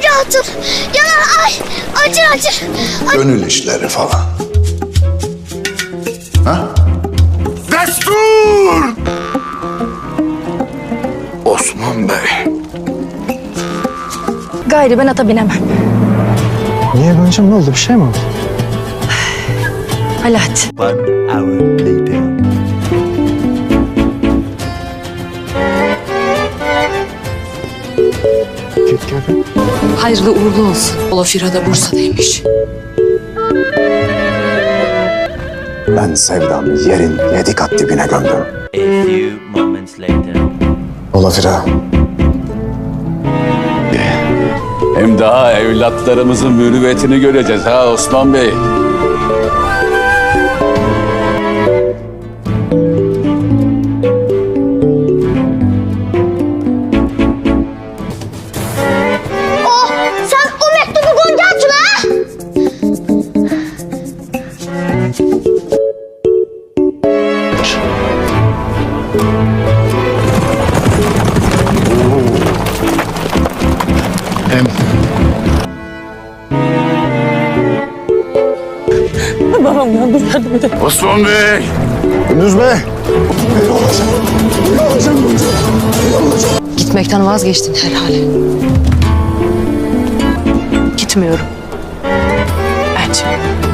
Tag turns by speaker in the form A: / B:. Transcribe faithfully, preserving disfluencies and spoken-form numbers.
A: Hatun. Yanar ay. Acır acır. Ay.
B: Gönül işleri falan. Ha?
C: Destur! Osman Bey.
D: Gayrı ben ata binemem.
E: Niye Gonca'm, ne oldu? Bir şey mi oldu?
D: Alaaddin.
F: One hour later.
E: Git gel.
G: Hayırlı uğurlu olsun. Olafira da Bursa'daymış.
B: Ben sevdamı yerin yedi kat dibine gömdüm.
F: A few moments later.
B: Olafira.
H: Hem daha evlatlarımızın mürüvvetini göreceğiz ha Osman Bey.
A: Oh, sen o mektubu Gonca Hatun'a ha?
B: Hem
C: Osman Bey.
B: Gündüz Bey.
G: Gitmekten vazgeçtin herhalde.
D: Gitmiyorum. Elçim.